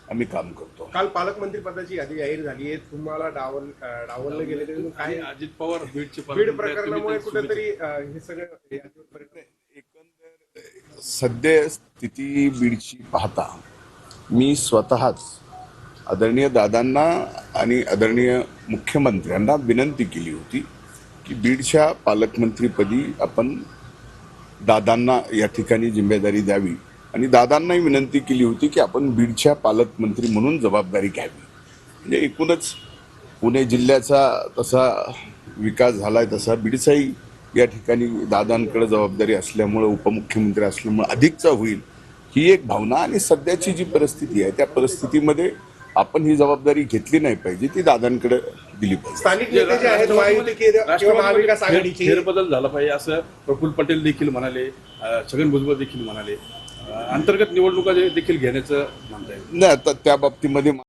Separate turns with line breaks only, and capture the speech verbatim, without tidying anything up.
आम्ही काम करतो.
काल पालकमंत्री पदाची यादी जाहीर झाली आहे. तुम्हाला डावल डावललं गेले तरी काय
अजित पवार बीडचे
बीड प्रकरणामुळे कुठेतरी हे सगळं यादीवर परिणाम
एकंदर सद्य स्थिती बीडची पाहता मी स्वतःच आदरणीय दादांना आणि आदरणीय मुख्यमंत्र्यांना विनंती केली होती की बीडच्या पालकमंत्रीपदी आपण दादांना या ठिकाणी जिम्मेदारी द्यावी आणि दादांनाही विनंती केली होती की आपण बीडच्या पालकमंत्री म्हणून जबाबदारी घ्यावी. म्हणजे एकूणच पुणे जिल्ह्याचा तसा विकास झाला आहे तसा बीडचाही या ठिकाणी दादांकडे जबाबदारी असल्यामुळं उपमुख्यमंत्री असल्यामुळं अधिकचा होईल ही एक भावना आणि सध्याची जी परिस्थिती आहे त्या परिस्थितीमध्ये आपण ही जबाबदारी घेतली नाही पाहिजे, ती दादांकडे दिली पाहिजे.
स्थानिक नेते जे आहेत महायुती किंवा महाविकास आघाडीची
फेरबदल झाला पाहिजे असं प्रफुल्ल पटेल देखील म्हणाले, छगन भुजबळ देखील म्हणाले. अंतर्गत निवडणुका देखील घेण्याचं म्हणताय.
नाही, आता त्या बाबतीमध्ये